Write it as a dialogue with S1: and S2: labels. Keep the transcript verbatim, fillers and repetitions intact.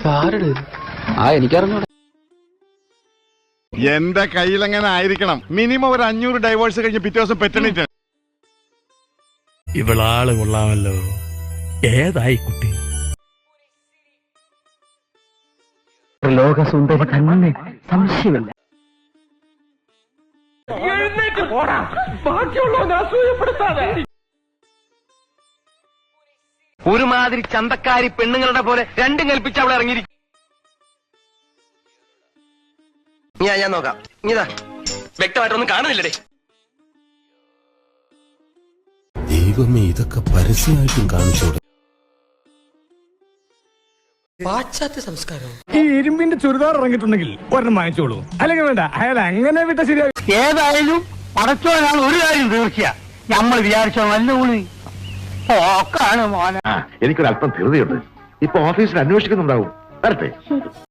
S1: ആ എനിക്കറിഞ്ഞൂടെ.
S2: എന്റെ കയ്യിലെങ്ങനെ ആയിരിക്കണം മിനിമം ഒരു അഞ്ഞൂറ് ഡൈവേഴ്സ് കഴിഞ്ഞ് പിറ്റേ ദിവസം പെറ്റണിട്ട്.
S3: ഇവളാള് കൊള്ളാമല്ലോ. ഏതായി കുട്ടി?
S1: ലോകസുന്ദരി തന്നെ, സംശയമില്ല.
S4: ഒരുമാതിരി ചന്തക്കാരി പെണ്ണുങ്ങളുടെ പോലെ രണ്ടും കൽപ്പിച്ച് അവളെ ഇറങ്ങിയിരിക്കും. ഞാൻ ഞാൻ നോക്കാം. ഇതാ വ്യക്തമായിട്ടൊന്നും കാണുന്നില്ലടേ.
S3: ദൈവമേ, ഇതൊക്കെ പരസ്യമായിട്ടും കാണിച്ചോടെ.
S4: പാശ്ചാത്യ സംസ്കാരം.
S3: ഈ ഇരുമ്പിന്റെ ചുരിദാർ ഇറങ്ങിയിട്ടുണ്ടെങ്കിൽ ഒരെണ്ണം വാങ്ങിച്ചോളൂ. അല്ലെങ്കിൽ വേണ്ട, അയാൾ അങ്ങനെ വിട്ട ശരിയാ.
S5: ഏതായാലും പടച്ചോനാണ് ഒരു കാര്യം തീർച്ച. നമ്മൾ വിചാരിച്ചോ നല്ല ഊണി പോക്കാണ് മോനെ.
S6: എനിക്കൊരല്പം ധൃതിയുണ്ട്. ഇപ്പൊ ഓഫീസിൽ അന്വേഷിക്കുന്നുണ്ടാവും. വരട്ടെ.